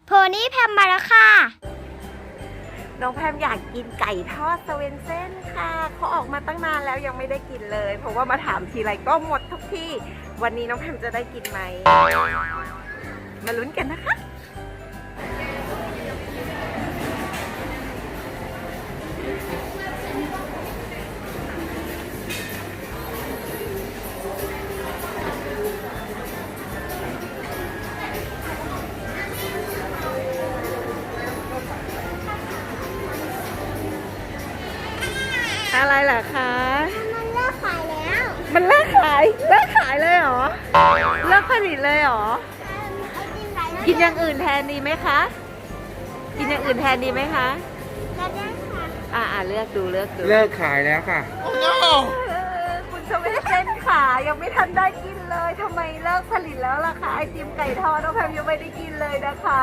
โพนี่แพมมาแล้วค่ะน้องแพมอยากกินไก่ทอดสเวนเซ่นค่ะเขาออกมาตั้งนานแล้วยังไม่ได้กินเลยเพราะว่ามาถามทีไรก็หมดทุกที่วันนี้น้องแพมจะได้กินไหมมาลุ้นกันนะคะอะไรเหรอคะมันเลิกขายแล้วมันเลิกขายเลยเหรอเลิกผลิตเลยเหรอกินอย่างอื่นแทนดีไหมคะกินอย่างอื่นแทนดีไหมคะก็ได้ค่ะเลือกดูเลิกขายแล้วค่ะคุณสเวนเซ่นค่ะยังไม่ทันได้กินเลยทำไมเลิกผลิตแล้วล่ะคะไอติมไก่ทอดน้องแพมยังไม่ได้กินเลยนะคะ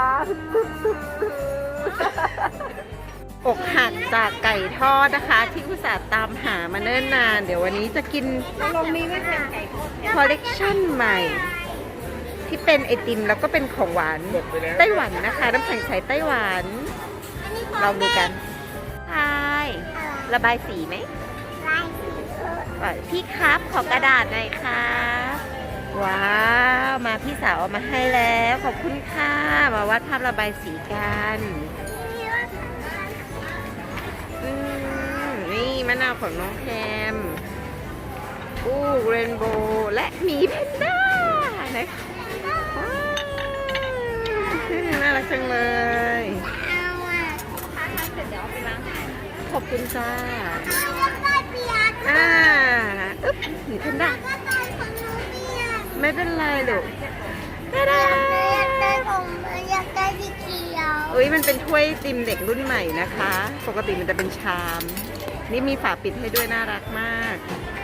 อกหักจากไก่ทอดนะคะที่อุตส่าห์ตามหามาเนิ่นนานเดี๋ยววันนี้จะกินคอลเลกชันใหม่ที่เป็นไอติมแล้วก็เป็นของหวานไต้หวันนะคะน้ำแข็งใสไต้หวันลองดูกันใช่ระบายสีไหมพี่ครับขอกระดาษหน่อยค่ะว้าวมาพี่สาวเอามาให้แล้วขอบคุณค่ะมาวาดภาพระบายสีกันนี่มะนาวของน้องแคมเรนโบว์และหมีแพนด้านะคะน่ารักจังเลยขอบคุณจ้าหมีแพนด้าไม่เป็นไรลูกมันเป็นถ้วยติมเด็กรุ่นใหม่นะคะปกติมันจะเป็นชามนี่มีฝาปิดให้ด้วยน่ารักมาก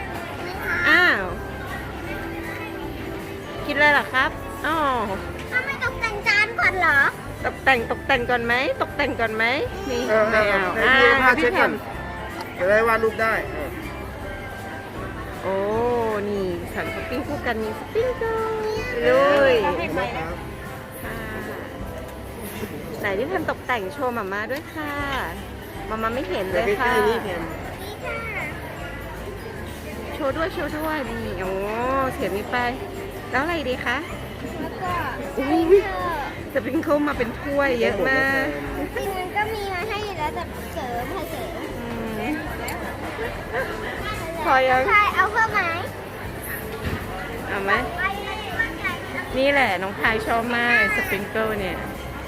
คิดอะไรเหรอครับไม่ตกแต่งจานก่อนเหรอตกแต่งก่อนไหมนี่ไม่เอาพี่แพมจะได้วาดรูปได้โอ้นี่สั่งสปริงคู่กันมีสปริงเกิลเลยไหนที่แพมตกแต่งโชว์มาด้วยค่ะมาไม่เห็นเลยค่ะโชว์ด้วยนี่โอ้เสียบนี้ไปแล้วอะไรดีคะแล้วก็สปริงเกิลมาเป็นถ้วยเยอะมากจริงมันก็มีมาให้แล้วแต่เสริมพอยังใช่เอาเพิ่มไหมเอาไหมนี่แหละน้องพายชอบมากสปริงเกิลเนี่ย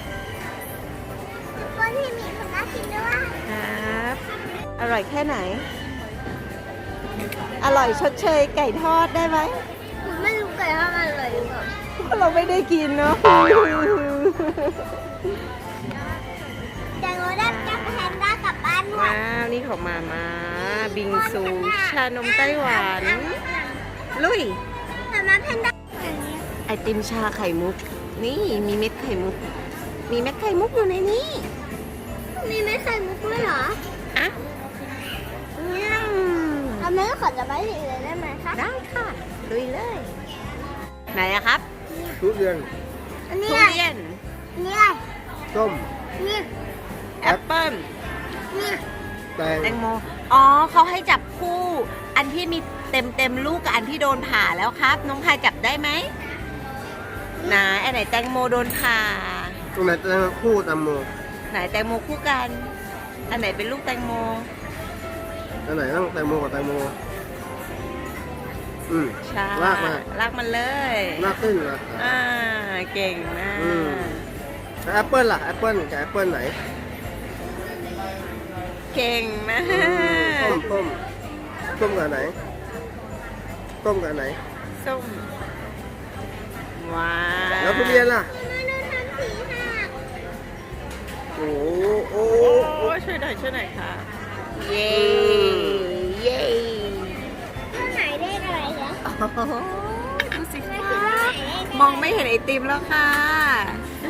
ก็ที่มีคนน่ากินด้วยครับอร่อยแค่ไหนอร่อยชดเชยไก่ทอดได้ไหมไม่รู้ไก่ทอดมันอร่อยหรือเปล่าเราไม่ได้กินเนาะแตงโมได้จับแพนด้ากลับบ้านว้าวนี่ของมาบิงซูชานมไต้หวันลุยมาแพนด้าไอติมชาไข่มุกนี่มีเม็ดไข่มุกอยู่ในนี้มีเม็ดไข่มุกด้วยเหรอเอาเม็ดขอจะไปสีเลยได้ไหมคะได้ค่ะลุยเลยไหนอะครับทุเรียนนี่ส้มนี่แอปเปิ้ลนี่แตงโมเขาให้จับคู่อันที่มีเต็มลูกกับอันที่โดนผ่าแล้วครับน้องพายจับได้ไหมอันไหนแตงโมโดนผ่าตรงไหนแตงคู่แตงโมไหนแตงโมคู่กันอันไหนเป็นลูกแตงโมอันไหนต้องแตงโมกับแตงโมใช่ลากมันเลยลากขึ้นนะเก่งมากแอปเปิ้ลล่ะแอปเปิ้ลกับแอปเปิ้ลไหนเก่งมากส้มกับไหนส้มว้าแล้วทุเรียนล่ะโอ้ช่วยหน่อยค่ะเย้ข้างไหนเลขอะไรเหรอดูสิคะมองไม่เห็นไอติมแล้วค่ะ